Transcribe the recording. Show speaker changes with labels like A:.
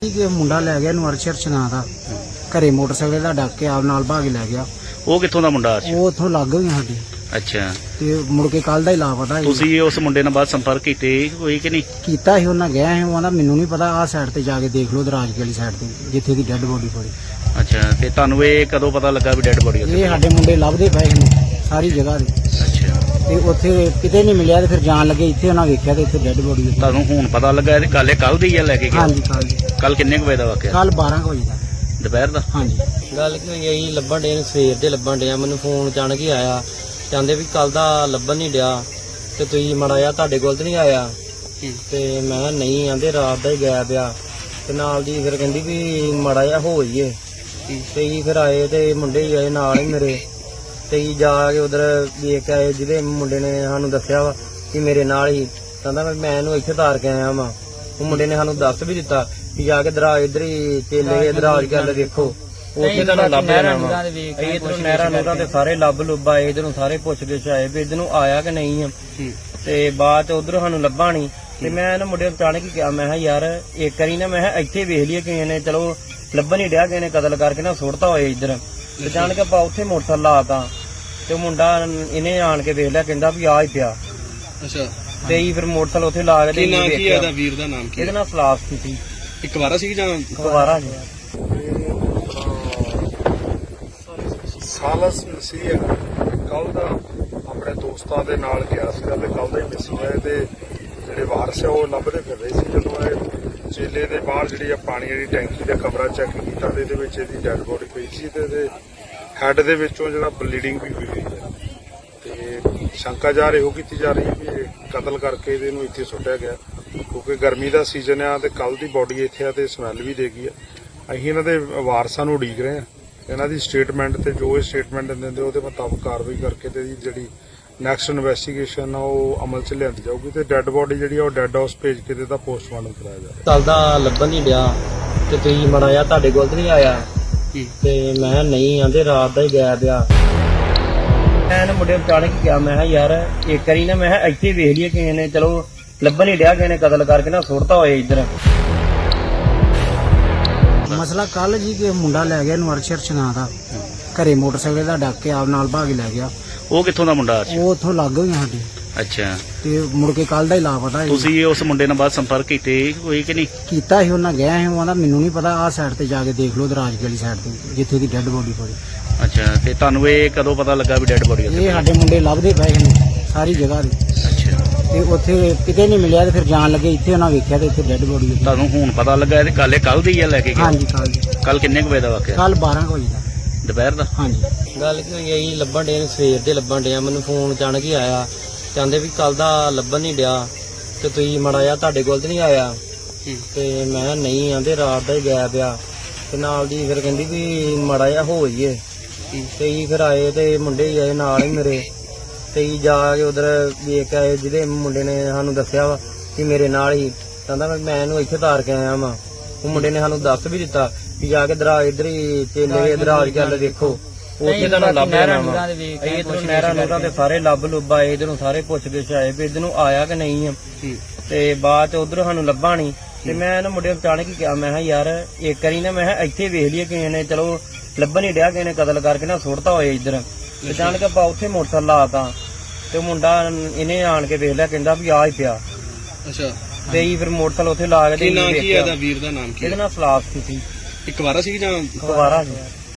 A: ਕਿ ਮੁੰਡਾ ਲੈ ਗਿਆ ਨੂੰ ਅਰਸ਼ਰ ਚਨਾ ਦਾ ਘਰੇ ਮੋਟਰਸਾਈਕਲ ਦਾ ਡੱਕ ਕੇ ਆਪ ਨਾਲ ਭਾਗ ਲੈ ਗਿਆ।
B: ਉਹ ਕਿੱਥੋਂ ਦਾ ਮੁੰਡਾ ਸੀ?
A: ਉਹ ਉੱਥੋਂ ਲੱਗ ਗਈ ਸਾਡੀ
B: ਅੱਛਾ,
A: ਤੇ ਮੁੜ ਕੇ ਕੱਲ ਦਾ ਹੀ ਲਾਪਤਾ ਸੀ।
B: ਤੁਸੀਂ ਉਸ ਮੁੰਡੇ ਨਾਲ ਬਾਅਦ ਸੰਪਰਕ ਕੀਤੇ ਹੋਈ ਕਿ ਨਹੀਂ?
A: ਕੀਤਾ ਸੀ, ਉਹਨਾਂ ਗਿਆ ਸੀ। ਉਹ ਕਹਿੰਦਾ ਮੈਨੂੰ ਨਹੀਂ ਪਤਾ, ਆਹ ਸਾਈਡ ਤੇ ਜਾ ਕੇ ਦੇਖ ਲਓ ਦਰਾਜ ਵਾਲੀ ਸਾਈਡ ਤੇ ਜਿੱਥੇ ਦੀ ਡੈੱਡ ਬੋਡੀ ਪਈ।
B: ਅੱਛਾ, ਤੇ ਤੁਹਾਨੂੰ ਇਹ ਕਦੋਂ ਪਤਾ ਲੱਗਾ ਵੀ ਡੈੱਡ ਬੋਡੀ ਉੱਥੇ?
A: ਇਹ ਸਾਡੇ ਮੁੰਡੇ ਲੱਭਦੇ ਪਏ ਨੇ ਸਾਰੀ ਜਗ੍ਹਾ ਤੇ,
B: ਅੱਛਾ,
A: ਤੇ ਉੱਥੇ ਕਿਤੇ ਨਹੀਂ ਮਿਲਿਆ। ਤੇ ਫਿਰ ਜਾਣ ਲੱਗੇ ਇੱਥੇ, ਉਹਨਾਂ ਵੇਖਿਆ ਤੇ ਇੱਥੇ ਡੈੱਡ ਬੋਡੀ।
B: ਤੁਹਾਨੂੰ ਹੁਣ ਪਤਾ ਲੱਗਾ ਇਹ ਗੱਲ ਕੱਲ ਦੀ ਆ ਲੈ ਕੇ ਗਿਆ?
A: ਹਾਂਜੀ,
B: ਕੱਲ ਕਿੰਨੇ ਕੁ ਵਜੇ ਦਾ ਵਾਕਿਆ?
A: ਕੱਲ 12 ਵਜੇ ਦਾ
B: ਦੁਪਹਿਰ ਦਾ?
A: ਹਾਂਜੀ।
C: ਗੱਲ ਕੀ ਹੋਈ ਆਈ, ਲੱਭਣ ਡੇ ਨੇ ਸਵੇਰ ਦੇ ਲੱਭਣ ਡਿਆ। ਮੈਨੂੰ ਫੋਨ ਅਚਾਨਕ ਹੀ ਆਇਆ, ਕਹਿੰਦੇ ਵੀ ਕੱਲ ਦਾ ਲੱਭਣ ਨਹੀਂ ਡਿਆ ਤੇ ਤੁਸੀਂ ਮਾੜਾ ਜਿਹਾ ਤੁਹਾਡੇ ਕੋਲ ਤੇ ਨਹੀਂ ਆਇਆ। ਤੇ ਮੈਂ ਕਿਹਾ ਨਹੀਂ, ਆਂਦੇ ਰਾਤ ਦਾ ਹੀ ਗਾਇਬ ਆ। ਤੇ ਨਾਲ ਦੀ ਫਿਰ ਕਹਿੰਦੀ ਵੀ ਮਾੜਾ ਜਿਹਾ ਹੋ ਜਾਈਏ। ਤੇ ਜੀ ਫਿਰ ਆਏ ਤੇ ਮੁੰਡੇ ਹੀ ਆਏ ਨਾਲ ਹੀ ਮੇਰੇ। ਤੇ ਜੀ ਜਾ ਕੇ ਉਧਰ ਵੇਖ ਕੇ ਆਏ, ਜਿਹਦੇ ਮੁੰਡੇ ਨੇ ਸਾਨੂੰ ਦੱਸਿਆ ਵਾ ਕਿ ਮੇਰੇ ਨਾਲ ਹੀ, ਕਹਿੰਦਾ ਮੈਂ ਇਹਨੂੰ ਇੱਥੇ ਤਾਰ ਕੇ ਆਇਆ ਵਾਂ। ਉਹ ਮੁੰਡੇ ਨੇ ਸਾਨੂੰ ਦੱਸ ਵੀ ਦਿੱਤਾ ਕਿ ਜਾ ਕੇ ਦਰਾਜ ਇਧਰ ਹੀ ਚੇਲੇ ਦਰਾਜ ਗੱਲ ਦੇਖੋ, ਉੱਥੇ ਤੁਹਾਨੂੰ ਲੱਭ ਜਾਣਾ ਵਾ। ਇਧਰੋਂ ਨਹਿਰਾਂ ਨੂਰਾਂ ਤੇ ਸਾਰੇ ਲੱਭ ਲੁੱਭ ਆਏ, ਇਧਰੋਂ ਸਾਰੇ ਪੁੱਛ ਗਿੱਛ ਆਏ ਵੀ ਇਧਰ ਨੂੰ ਆਇਆ ਕਿ ਨਹੀਂ ਆ। ਤੇ ਬਾਅਦ ਚ ਉਧਰੋਂ ਸਾਨੂੰ ਲੱਭਾ ਨਹੀਂ। ਤੇ ਮੈਂ ਇਹਨਾਂ ਮੁੰਡੇ ਨੂੰ ਅਚਾਨਕ ਹੀ ਕਿਹਾ, ਮੈਂ ਕਿਹਾ ਯਾਰ ਇੱਕ ਵਾਰੀ ਨਾ ਮੈਂ ਇੱਥੇ ਵੇਖ ਲਈਏ ਕਿਸੇ ਨੇ, ਚਲੋ ਲੱਭਣ ਨਹੀਂ ਡਿਆ, ਕਿਸੇ ਨੇ ਕਤਲ ਕਰਕੇ ਨਾ ਸੁੱਟਤਾ ਹੋਏ ਇੱਧਰ। ਅਚਾਨਕ ਆਪਾਂ ਉੱਥੇ ਮੋਟਰਸਾਈਕਲ ਲਾਤਾ ਤੇ ਮੁੰਡਾ ਇਹਨੇ ਆਣ ਕੇ ਵੇਖ ਲਿਆ, ਕਹਿੰਦਾ ਵੀ ਆ ਹੀ ਪਿਆ।
D: ਅੱਛਾ,
C: ਤੇ ਹੀ ਫਿਰ ਮੋਟਰਸਾਈਕਲ ਉੱਥੇ ਲਾ ਕੇ
D: ਕੀ ਨਾਮ ਕੀ ਹੈ ਇਹਦਾ ਵੀਰ ਦਾ ਨਾਮ ਕੀ?
C: ਇਹਦੇ ਨਾਲ ਸਲਾਫ ਸੀ
D: ਇੱਕ ਵਾਰਾ ਸੀ ਜਾਂ
C: ਦੁਬਾਰਾ ਜੀ।
E: ਸਾਲਸ ਮਸੀਹ ਕੱਲ ਦਾ ਆਪਣੇ ਦੋਸਤਾਂ ਦੇ ਨਾਲ ਗਿਆ ਸੀਗਾ ਤੇ ਕੱਲ ਦਾ ਹੀ ਮਿਸ ਹੋਇਆ। ਤੇ ਜਿਹੜੇ ਵਾਰਸ ਆ ਉਹ ਲੱਭਦੇ ਫਿਰ ਰਹੇ ਸੀ। ਜਦੋਂ ਇਹ ਚੇਲੇ ਦੇ ਬਾਹਰ ਜਿਹੜੀ ਆ ਪਾਣੀ ਵਾਲੀ ਟੈਂਕੀ ਦਾ ਕਮਰਾ ਚੈੱਕ ਕੀਤਾ ਤੇ ਇਹਦੇ ਵਿੱਚ ਇਹਦੀ ਡੈਡ ਬੋਡੀ ਪਈ ਸੀ ਤੇ ਇਹਦੇ ਹੈਡ ਦੇ ਵਿੱਚੋਂ ਜਿਹੜਾ ਬਲੀਡਿੰਗ ਵੀ ਹੋਈ ਹੋਈ ਹੈ। ਤੇ ਸ਼ੰਕਾ ਜਾ ਰਹੀ ਕੀਤੀ ਜਾ ਰਹੀ ਹੈ ਵੀ ਇਹ ਕਤਲ ਕਰਕੇ ਇਹਨੂੰ ਇੱਥੇ ਸੁੱਟਿਆ ਗਿਆ, ਕਿਉਂਕਿ ਗਰਮੀ ਦਾ ਸੀਜ਼ਨ ਆ ਤੇ ਕੱਲ ਦੀ ਬੋਡੀ ਇੱਥੇ ਆ ਤੇ ਸਮੈਲ ਵੀ ਦੇਗੀ ਆ। ਅਸੀਂ ਇਹਨਾਂ ਦੇ ਵਾਰਸਾਂ ਨੂੰ ਉਡੀਕ ਰਹੇ ਆ, ਇਹਨਾਂ ਦੀ ਸਟੇਟਮੈਂਟ ਤੇ ਜੋ ਇਹ ਸਟੇਟਮੈਂਟ ਦਿੰਦੇ ਉਹਦੇ ਮੁਤਾਬਕ ਕਾਰਵਾਈ ਕਰਕੇ ਤੇ ਇਹਦੀ ਜਿਹੜੀ ਨੈਕਸਟ ਇਨਵੈਸਟੀਗੇਸ਼ਨ ਆ ਉਹ ਅਮਲ 'ਚ ਲਿਆਂਦੀ ਜਾਊਗੀ ਤੇ ਡੈੱਡ ਬੋਡੀ ਜਿਹੜੀ ਆ ਉਹ ਡੈੱਡ ਹਾਊਸ ਭੇਜ ਕੇ ਤੇ ਇਹਦਾ ਪੋਸਟਮਾਰਟਮ ਕਰਾਇਆ ਜਾਵੇ।
C: ਕੱਲ ਦਾ ਲੱਭਣ ਨਹੀਂ ਡਿਆ ਤੇ ਤੁਸੀਂ ਮਾੜਾ ਜਿਹਾ ਤੁਹਾਡੇ ਕੋਲ ਤੇ ਨਹੀਂ ਆਇਆ। ਤੇ ਮੈਂ ਕਿਹਾ ਨਹੀਂ, ਆਂਦੇ ਰਾਤ ਦਾ ਹੀ ਗਾਇਬ ਆ। ਮੈਂ ਇਹਨਾਂ ਮੁੰਡੇ ਨੂੰ ਅਚਾਨਕ ਹੀ ਕਿਹਾ, ਮੈਂ ਕਿਹਾ ਯਾਰ ਇੱਕ ਵਾਰੀ ਨਾ ਮੈਂ ਇੱਥੇ ਵੇਖ ਲਈਏ ਕਿਸੇ ਨੇ, ਚਲੋ ਲੱਭਣ ਨਹੀਂ ਡਿਆ, ਕਿਸੇ ਨੇ ਕਤਲ ਕਰਕੇ ਨਾ ਸੁੱਟਤਾ ਹੋਏ ਇੱਧਰ।
A: ਮਸਲਾ ਕੱਲ ਜੀ ਕਿ ਮੁੰਡਾ ਲੈ ਗਿਆ ਨੂੰ ਅਰਸ਼ਰ ਚਨਾ ਦਾ ਘਰੇ ਮੋਟਰਸਾਈਕਲ ਦਾ ਡੱਕ ਕੇ ਆਪ ਨਾਲ ਭਾਗ ਲੈ ਗਿਆ।
B: ਉਹ ਕਿੱਥੋਂ ਦਾ ਮੁੰਡਾ ਸੀ?
A: ਉਹ ਉੱਥੋਂ ਲੱਗ ਗਈ ਸਾਡੀ,
B: ਅੱਛਾ,
A: ਤੇ ਮੁੜ ਕੇ ਕੱਲ ਦਾ ਹੀ ਲਾਪਤਾ ਸੀ।
B: ਤੁਸੀਂ ਉਸ ਮੁੰਡੇ ਨਾਲ ਬਾਅਦ ਸੰਪਰਕ ਕੀਤੇ ਹੋਈ ਕਿ ਨਹੀਂ?
A: ਕੀਤਾ ਸੀ, ਉਹਨਾਂ ਗਿਆ ਸੀ। ਉਹ ਕਹਿੰਦਾ ਮੈਨੂੰ ਨਹੀਂ ਪਤਾ, ਆਹ ਸਾਈਡ ਤੇ ਜਾ ਕੇ ਦੇਖ ਲਓ ਦਰਾਜ ਵਾਲੀ ਸਾਈਡ ਤੇ ਜਿੱਥੇ ਦੀ ਡੈੱਡ ਬੋਡੀ ਪਈ।
B: ਅੱਛਾ, ਤੇ ਤੁਹਾਨੂੰ ਇਹ ਕਦੋਂ ਪਤਾ ਲੱਗਾ ਵੀ ਡੈੱਡ ਬੋਡੀ ਉੱਥੇ?
A: ਇਹ ਸਾਡੇ ਮੁੰਡੇ ਲੱਭਦੇ ਪਏ ਨੇ ਸਾਰੀ ਜਗ੍ਹਾ ਤੇ,
B: ਅੱਛਾ,
A: ਤੇ ਉੱਥੇ ਕਿਤੇ ਨਹੀਂ ਮਿਲਿਆ। ਤੇ ਫਿਰ ਜਾਣ ਲੱਗੇ ਇੱਥੇ, ਉਹਨਾਂ ਵੇਖਿਆ ਤੇ ਇੱਥੇ ਡੈੱਡ ਬੋਡੀ।
B: ਤੁਹਾਨੂੰ ਹੁਣ ਪਤਾ ਲੱਗਾ ਇਹ ਗੱਲ ਕੱਲ ਦੀ ਆ ਲੈ ਕੇ ਗਿਆ?
A: ਹਾਂਜੀ,
B: ਕੱਲ ਕਿੰਨੇ ਕੁ ਵਜੇ ਦਾ ਵਾਕਿਆ?
A: ਕੱਲ 12 ਵਜੇ ਦਾ
B: ਦੁਪਹਿਰ ਦਾ?
A: ਹਾਂਜੀ।
C: ਗੱਲ ਕੀ ਹੋਈ ਆਈ, ਲੱਭਣ ਡੇ ਨੇ ਸਵੇਰ ਦੇ ਲੱਭਣ ਡਿਆ। ਮੈਨੂੰ ਫੋਨ ਅਚਾਨਕ ਹੀ ਆਇਆ, ਕਹਿੰਦੇ ਵੀ ਕੱਲ ਦਾ ਲੱਭਣ ਨਹੀਂ ਡਿਆ ਤੇ ਤੁਸੀਂ ਮਾੜਾ ਜਿਹਾ ਤੁਹਾਡੇ ਕੋਲ ਤੇ ਨਹੀਂ ਆਇਆ। ਤੇ ਮੈਂ ਕਿਹਾ ਨਹੀਂ, ਆਂਦੇ ਰਾਤ ਦਾ ਹੀ ਗਾਇਬ ਆ। ਤੇ ਨਾਲ ਦੀ ਫਿਰ ਕਹਿੰਦੀ ਵੀ ਮਾੜਾ ਜਿਹਾ ਹੋ ਜਾਈਏ। ਤੇ ਜੀ ਫਿਰ ਆਏ ਤੇ ਮੁੰਡੇ ਹੀ ਆਏ ਨਾਲ ਹੀ ਮੇਰੇ। ਤੇ ਜੀ ਜਾ ਕੇ ਉਧਰ ਵੇਖ ਕੇ ਆਏ, ਜਿਹਦੇ ਮੁੰਡੇ ਨੇ ਸਾਨੂੰ ਦੱਸਿਆ ਵਾ ਕਿ ਮੇਰੇ ਨਾਲ ਹੀ, ਕਹਿੰਦਾ ਮੈਂ ਇਹਨੂੰ ਇੱਥੇ ਤਾਰ ਕੇ ਆਇਆ ਵਾਂ। ਉਹ ਮੁੰਡੇ ਨੇ ਸਾਨੂੰ ਦੱਸ ਵੀ ਦਿੱਤਾ ਕਿ ਜਾ ਕੇ ਦਰਾਜ ਇਧਰ ਹੀ ਚੇਲੇ ਦਰਾਜ ਗੱਲ ਦੇਖੋ, ਉੱਥੇ ਤੁਹਾਨੂੰ ਲੱਭ ਜਾਣਾ ਵਾ। ਇਧਰੋਂ ਨਹਿਰਾਂ ਨੂਰਾਂ ਤੇ ਸਾਰੇ ਲੱਭ ਲੁੱਭ ਆਏ, ਇਧਰੋਂ ਸਾਰੇ ਪੁੱਛ ਗਿੱਛ ਆਏ ਵੀ ਇਧਰ ਨੂੰ ਆਇਆ ਕਿ ਨਹੀਂ ਆ। ਤੇ ਬਾਅਦ ਚ ਉਧਰੋਂ ਸਾਨੂੰ ਲੱਭਾ ਨਹੀਂ। ਤੇ ਮੈਂ ਇਹਨਾਂ ਮੁੰਡੇ ਨੂੰ ਅਚਾਨਕ ਹੀ ਕਿਹਾ, ਮੈਂ ਕਿਹਾ ਯਾਰ ਇੱਕ ਵਾਰੀ ਨਾ ਮੈਂ ਇੱਥੇ ਵੇਖ ਲਈਏ ਕਿਸੇ ਨੇ, ਚਲੋ ਲੱਭਣ ਨਹੀਂ ਡਿਆ, ਕਿਸੇ ਨੇ ਕਤਲ ਕਰਕੇ ਨਾ ਸੁੱਟਤਾ ਹੋਏ ਇੱਧਰ। ਅਚਾਨਕ ਆਪਾਂ ਉੱਥੇ ਮੋਟਰਸਾਈਕਲ ਲਾਤਾ ਤੇ ਮੁੰਡਾ ਇਹਨੇ ਆਣ ਕੇ ਵੇਖ ਲਿਆ, ਕਹਿੰਦਾ ਵੀ ਆ ਹੀ ਪਿਆ।
D: ਅੱਛਾ,
C: ਤੇ ਹੀ ਫਿਰ ਮੋਟਰਸਾਈਕਲ ਉੱਥੇ ਲਾ ਕੇ
D: ਕੀ ਨਾਮ ਕੀ ਹੈ ਇਹਦਾ ਵੀਰ ਦਾ ਨਾਮ ਕੀ?
C: ਇਹਦੇ ਨਾਲ ਸਲਾਫ ਸੀ
D: ਇੱਕ ਵਾਰਾ ਸੀ ਜਾਂ
C: ਦੁਬਾਰਾ ਜੀ।